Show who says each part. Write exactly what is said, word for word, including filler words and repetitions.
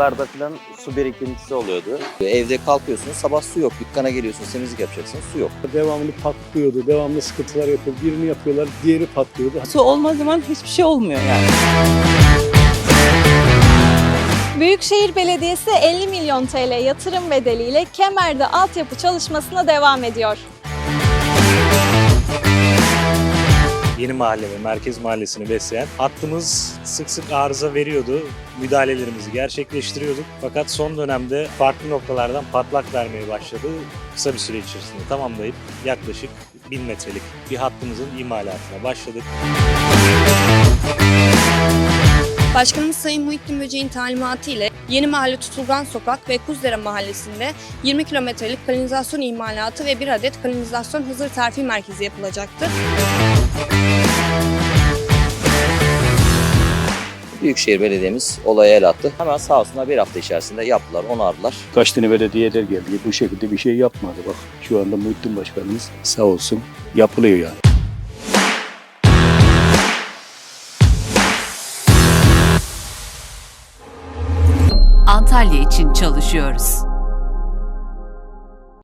Speaker 1: sokaklarda falan su birikintisi oluyordu.
Speaker 2: Evde kalkıyorsunuz, sabah su yok. Dükkana geliyorsunuz, temizlik yapacaksınız, su yok.
Speaker 3: Devamlı patlıyordu, devamlı sıkıntılar yapıyor. Birini yapıyorlar, diğeri patlıyordu.
Speaker 4: Su olmadığı zaman hiçbir şey olmuyor yani.
Speaker 5: Büyükşehir Belediyesi elli milyon T L yatırım bedeliyle Kemer'de altyapı çalışmasına devam ediyor.
Speaker 6: Yeni Mahalle ve Merkez Mahallesi'ni besleyen hattımız sık sık arıza veriyordu. Müdahalelerimizi gerçekleştiriyorduk. Fakat son dönemde farklı noktalardan patlak vermeye başladı. Kısa bir süre içerisinde tamamlayıp yaklaşık bin metrelik bir hattımızın imalatına başladık.
Speaker 7: Başkanımız Sayın Muhittin Böceğin talimatı ile Yeni Mahalle Tutulgan Sokak ve Kuzdere Mahallesi'nde yirmi kilometrelik kanalizasyon imalatı ve bir adet kanalizasyon hazır terfi merkezi yapılacaktır.
Speaker 2: Büyükşehir Belediye'miz olaya el attı. Hemen sağ olsunlar bir hafta içerisinde yaptılar, onardılar.
Speaker 3: Kaç tane belediyeler geldi, bu şekilde bir şey yapmadı. Bak şu anda Muhittin Başkanımız sağ olsun yapılıyor yani.
Speaker 8: Antalya için çalışıyoruz.